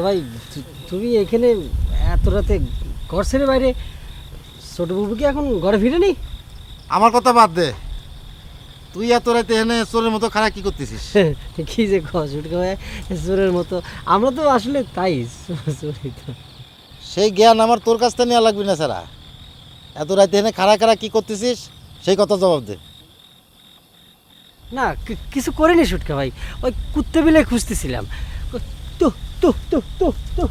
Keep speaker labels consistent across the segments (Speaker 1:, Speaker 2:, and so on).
Speaker 1: ভাই তুমি এখানে এত রাতে ঘর ছেড়ে বাইরে, ছোট বাবু কি এখন ঘরে ফিরেনি?
Speaker 2: আমার কথা বাদ দে, তুই এত রাতে এনে চোরের মতো খারাপ কি করতেছিস?
Speaker 1: কি যে ছুটকা ভাই, চোরের মতো আমরা তো আসলে তাই চোরই তো।
Speaker 2: সেই জ্ঞান আমার তোর কাছ থেকে নেওয়া লাগবে না স্যারা। এত রাতে এনে খাড়া খাড়া কি করতেছিস সেই কথা জবাব দে।
Speaker 1: না কিছু করিনি ছুটকা ভাই, ওই কুত্তে বিলে খুঁজতেছিলাম। তো তো তো তো তো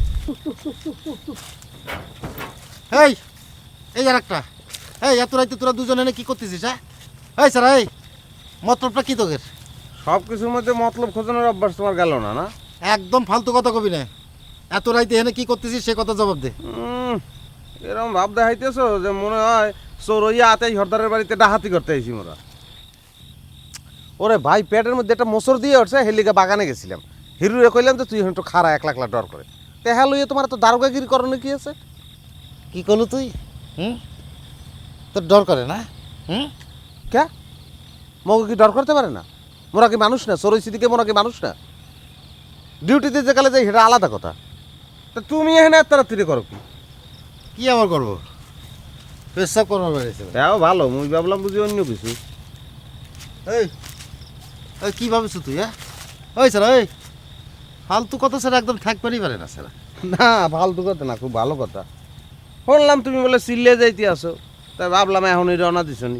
Speaker 2: এই এই আর একটা, এই এত রাতে তোরা দুজন এনে কি করতেছিস? হ্যাঁ এই স্যার, এই মতলবটা কি তোদের?
Speaker 3: সব কিছুর মধ্যে মতলব খোঁজানোর অভ্যাস তোমার গেল না? না
Speaker 2: একদম ফালতু কথা কবি না। এত রাতে এনে কি করতেছিস সে কথা জবাব দে।
Speaker 3: এরকম ভাব দেখাইতেছো যে মনে হয় চোর হইয়া আতেই হরদারের বাড়িতে ডাহাতি করতে আইছি মোরা। ওরে ভাই, পেটের মধ্যে একটা মোচর দিয়ে উঠছে, হেলিকে বাগানে গেছিলাম, হিরুরে কইলাম যে তুই এখন একটু খাড়া, এক লাখ ডর করে। তেহা লইয়া তোমার তো দারোগাগিরি করণে কি আছে?
Speaker 2: কি করলু তুই? তোর ডর করে না?
Speaker 3: কে মগু কি ডর করতে পারে না? মোরা কি মানুষ না? চোর হইছি দিকে মোরা কি মানুষ না? ডিউটিতে যে কালে যাই সেটা আলাদা কথা। তা তুমি এখানে এত তাড়াতাড়ি করো কি?
Speaker 2: কি আবার করবো? পেশাব করবার বেড়েছে।
Speaker 3: তাও ভালো, মুই ভাবলাম বুঝি অন্য কিছু।
Speaker 2: এই এই কী ভাবিস তুই? হ্যাঁ ওই স্যার, ওই ফালতু কথা স্যার একদম থাকবারই পারে না স্যার।
Speaker 3: না ফালতু কথা না, খুব ভালো কথা। শুনলাম তুমি বলে সিল্লে যাইতে আসো, তাই ভাবলাম এখনই রওনা দিছনি।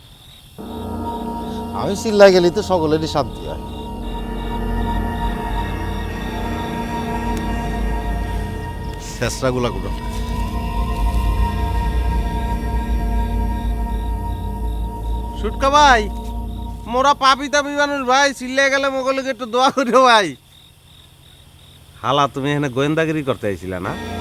Speaker 2: আমি চিল্লাই গেলি তো সকলেরই শান্তি হয়। শেষরাগুলা গুলো
Speaker 3: সুটকা ভাই, মোরা পাপি তাপি মানুষ ভাই, সিল্লে গেলে মোগলকে একটু দোয়া করিও ভাই। হালা তুমি এখানে গোয়েন্দাগিরি করতে আইছিলা না?